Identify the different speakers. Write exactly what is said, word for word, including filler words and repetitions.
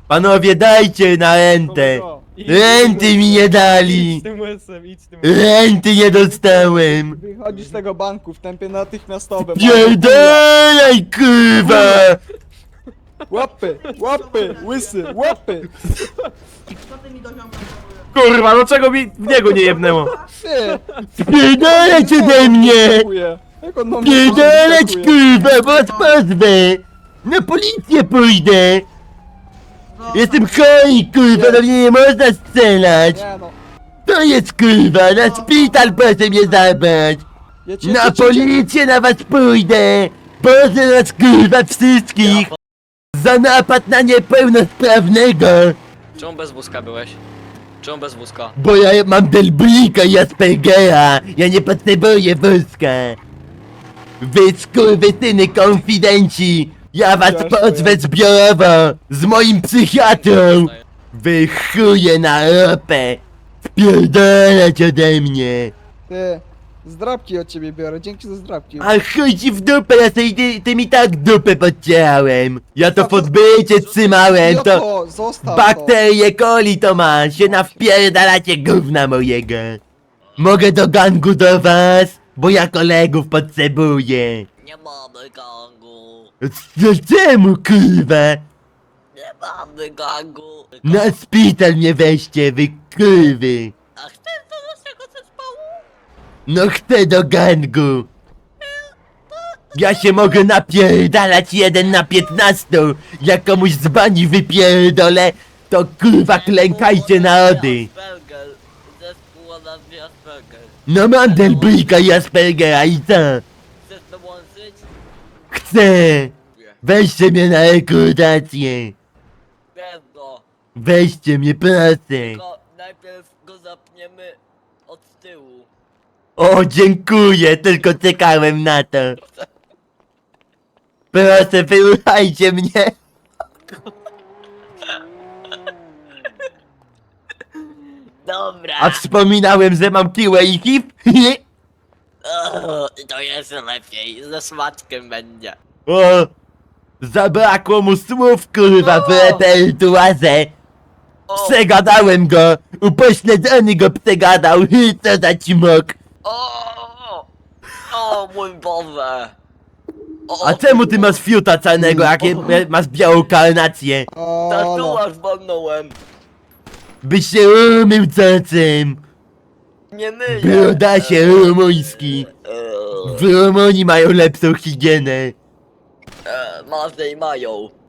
Speaker 1: Panowie, dajcie na rentę. Renty mi nie dali.
Speaker 2: Idź tym łysem, idź tym łysem.
Speaker 1: Renty nie dostałem.
Speaker 3: Wychodzisz z tego banku w tempie natychmiastowym.
Speaker 1: Pierdolaj, kurwa.
Speaker 3: Łapy, łapy, łysy, łapy.
Speaker 4: Co ty mi do ziomka zrobiłeś?
Speaker 1: Kurwa, no czego mi w niego nie jebnęło?
Speaker 3: Ty!
Speaker 1: Pierdolać ode mnie.
Speaker 3: Dziękuję. Jak on na mnie
Speaker 1: Pierdolać,
Speaker 3: atakuje?
Speaker 1: kurwa, bo was pozwę. Na policję pójdę. Jestem chory, kurwa, do mnie nie można strzelać.
Speaker 3: Nie no.
Speaker 1: To jest kurwa, na szpital proszę mnie zabrać.
Speaker 3: Ja cię,
Speaker 1: Na
Speaker 3: ja cię,
Speaker 1: policję na was pójdę. Boże nas kurwa wszystkich. Za napad na niepełnosprawnego.
Speaker 5: Czemu bez wózka byłeś? Czemu bez wózka?
Speaker 1: Bo ja mam delblika i Aspergera. Ja nie potrzebuję wózka. Wy skurwysyny konfidenci. Ja was
Speaker 3: Jasne.
Speaker 1: pozwę zbiorowo. Z moim psychiatrą. Wy chuje na ropę. Spierdolać ode mnie.
Speaker 3: Ty, zdrabki od ciebie biorę, dzięki za zdrabki.
Speaker 1: A chuj ci w dupę, ja sobie ty, tym i tak dupę podcierałem. Ja to w odbycie trzymałem, to
Speaker 3: Idioto, zostaw to.
Speaker 1: bakterie coli to ma, się nawpierdalacie gówna mojego. Mogę do gangu do was, bo ja kolegów potrzebuję.
Speaker 5: Nie mamy gangu.
Speaker 1: Co czemu kurwa?
Speaker 5: Nie mamy gangu.
Speaker 1: Na szpital mnie weźcie, wy kurwy.
Speaker 5: A chcesz do naszego zespołu?
Speaker 1: No chcę do gangu. Ja się mogę napierdalać jeden na piętnastu. Jak komuś z bani wypierdolę, to kurwa klękajcie na ody.
Speaker 5: Asperger. Zespół o nazwie Asperger.
Speaker 1: No mam delblika i Aspergera i co?
Speaker 5: Chcesz dołączyć?
Speaker 1: Chcę. Weźcie mnie na rekrutację.
Speaker 5: Bez go.
Speaker 1: Weźcie mnie, proszę.
Speaker 5: Tylko najpierw go zapniemy od tyłu.
Speaker 1: O, dziękuję, tylko czekałem na to. Proszę, wyruchajcie mnie.
Speaker 5: Dobra.
Speaker 1: A wspominałem, że mam kiłę i hip?
Speaker 5: O, to jest lepiej. Ze smaczkiem będzie.
Speaker 1: O, zabrakło mu słów, kurwa, w repertuarze.
Speaker 5: O,
Speaker 1: Przegadałem go, upośledzony go przegadał, co za cimok.
Speaker 5: o, o mój Boże. O,
Speaker 1: A czemu ty masz fiuta czarnego, jak je- masz białą karnację?
Speaker 3: O, no.
Speaker 5: tatuaż walnąłem.
Speaker 1: Byś się umył cocem.
Speaker 5: Nie myję.
Speaker 1: Brodasie rumuński.
Speaker 5: Eee,
Speaker 1: W Rumunii mają lepszą higienę.
Speaker 5: eee, Może i mają.